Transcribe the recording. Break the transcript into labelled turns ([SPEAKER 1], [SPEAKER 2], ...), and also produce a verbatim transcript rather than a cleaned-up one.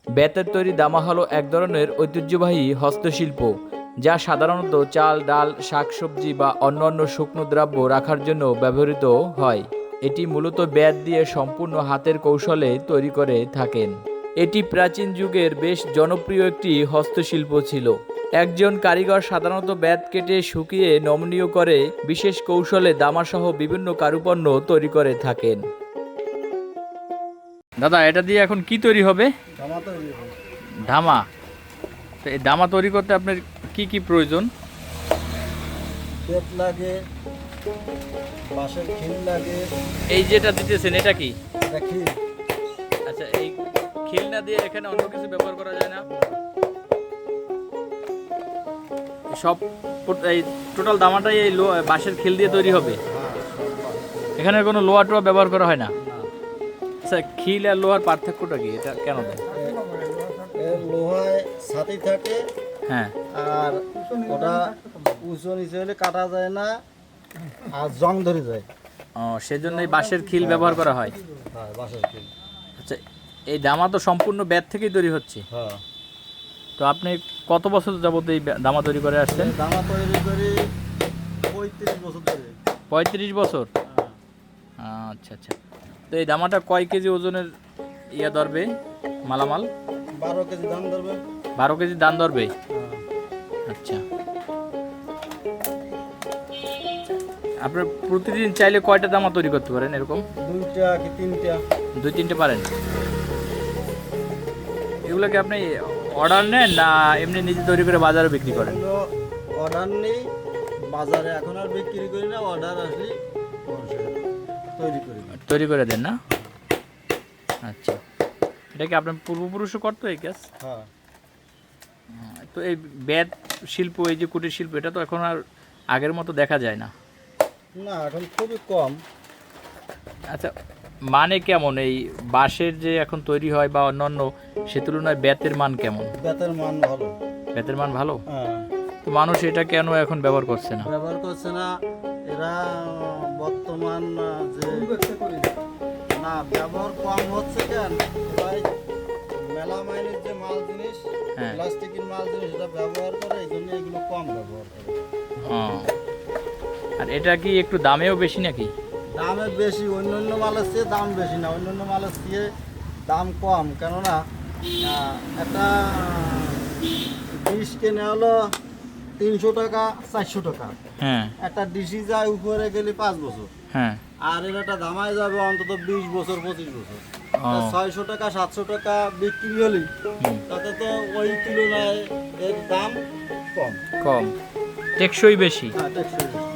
[SPEAKER 1] বেতের তৈরি দামা হলো এক ধরনের ঐতিহ্যবাহী হস্তশিল্প, যা সাধারণত চাল, ডাল, শাকসবজি বা অন্যান্য শুকনো দ্রব্য রাখার জন্য ব্যবহৃত হয়। এটি মূলত বেত দিয়ে সম্পূর্ণ হাতের কৌশলে তৈরি করে থাকেন। এটি প্রাচীন যুগের বেশ জনপ্রিয় একটি হস্তশিল্প ছিল। একজন কারিগর সাধারণত বেত কেটে শুকিয়ে নমনীয় করে বিশেষ কৌশলে দামাসহ বিভিন্ন কারুপণ্য তৈরি করে থাকেন। দাদা, এটা দিয়ে এখন কি তৈরি হবে?
[SPEAKER 2] ধামা তৈরি হয়।
[SPEAKER 1] ধামা। তো এই ধামা তৈরি করতে আপনার কি কি প্রয়োজন?
[SPEAKER 2] বেত লাগে, বাঁশের খিল লাগে।
[SPEAKER 1] এই যেটা দিতেছেন এটা কি?
[SPEAKER 2] এটা খিল।
[SPEAKER 1] আচ্ছা, এই খিল না দিয়ে এখানে অন্য কিছু ব্যবহার করা যায় না? সব এই টোটাল দামাটাই এই লো বাঁশের খিল দিয়ে তৈরি হবে?
[SPEAKER 2] হ্যাঁ, সব বাঁশ।
[SPEAKER 1] এখানে কোনো লোহা টোয়া ব্যবহার করা হয় না?
[SPEAKER 2] না।
[SPEAKER 1] আচ্ছা, খিল আর লোহার পার্থক্যটা কি? এটা কেন দেয়?
[SPEAKER 2] এর লোহায় ছাতি থাকে,
[SPEAKER 1] হ্যাঁ।
[SPEAKER 2] আর ওটা উঁচু নিচে হলে কাটা যায় না, আর জং ধরে যায়।
[SPEAKER 1] ও, সেজন্য এই বাঁশের খিল ব্যবহার করা হয়।
[SPEAKER 2] হ্যাঁ, বাঁশের খিল।
[SPEAKER 1] আচ্ছা, এই দামা তো সম্পূর্ণ বেত থেকেই তৈরি হচ্ছে।
[SPEAKER 2] হ্যাঁ।
[SPEAKER 1] তো আপনি কত বছর যাবত এই দামা তৈরি করে আসছেন?
[SPEAKER 2] ধামা তৈরি করি পঁয়ত্রিশ বছর ধরে।
[SPEAKER 1] পঁয়ত্রিশ বছর? আচ্ছা আচ্ছা। তো এই দামাটা কয় কেজি ওজনের ইয়া ধরবে মালামাল?
[SPEAKER 2] বারো কেজি দাম ধরবে।
[SPEAKER 1] বারো কেজি দান ধরবে?
[SPEAKER 2] হ্যাঁ।
[SPEAKER 1] আচ্ছা। আপনার প্রতিদিন চাইলে কয়টা দামা তৈরি করতে পারেন এরকম?
[SPEAKER 2] দুইটা কি তিনটা।
[SPEAKER 1] দুই তিনটে পারেন? এগুলোকে আপনি অর্ডার নেন না এমনি নিজে তৈরি করে বাজারে বিক্রি করেন?
[SPEAKER 2] অর্ডার নেই, বাজারে এখন আর বিক্রি করি না, অর্ডার আসলে তৈরি করি।
[SPEAKER 1] তৈরি করে দেন না? আচ্ছা। এটা কি আপনার পূর্বপুরুষও করতো এই কাজ?
[SPEAKER 2] হ্যাঁ।
[SPEAKER 1] তো এই বেত শিল্প, এই যে কুটির শিল্প, এটা তো এখন আর আগের মতো দেখা যায় না।
[SPEAKER 2] না, এখন খুবই কম।
[SPEAKER 1] আচ্ছা, মানে কেমন এই বাঁশের যে এখন তৈরি হয় বা অন্যান্য, সে তুলনায় বেতের মান কেমন?
[SPEAKER 2] বেতের মান ভালো।
[SPEAKER 1] বেতের মান ভালো?
[SPEAKER 2] হ্যাঁ।
[SPEAKER 1] তো মানুষ এটা কেন এখন ব্যবহার করছে না?
[SPEAKER 2] ব্যবহার করছে না এরা বর্তমান যে না ব্যবহার কম হচ্ছে কেন, ভাই মেলা মাইনের যে মাল জিনিস,
[SPEAKER 1] হ্যাঁ।
[SPEAKER 2] প্লাস্টিকের মাল জিনিস এটা ব্যবহার করে, এই জন্য এগুলো কম ব্যবহার করে।
[SPEAKER 1] হ্যাঁ। আর এটা কি একটু দামেও বেশি নাকি?
[SPEAKER 2] দামে বেশি, অন্য অন্য মালের চেয়ে দাম বেশি না, অন্য অন্য মালের চেয়ে দাম কম। কেননা আহ, একটা ডিশ কেনে হলো তিনশো টাকা চারশো টাকা।
[SPEAKER 1] হ্যাঁ
[SPEAKER 2] একটা ডিশি যায় উপরে গেলে পাঁচ বছর,
[SPEAKER 1] হ্যাঁ।
[SPEAKER 2] আর এর একটা দামায় যাবে অন্তত বিশ বছর পঁচিশ বছর।
[SPEAKER 1] ও।
[SPEAKER 2] ছয়শো টাকা সাতশো টাকা বিক্রি হলে তাতে তো ওই তুলনায় এর দাম কম।
[SPEAKER 1] কম, টেকসই বেশি।
[SPEAKER 2] হ্যাঁ, টেকসই বেশি।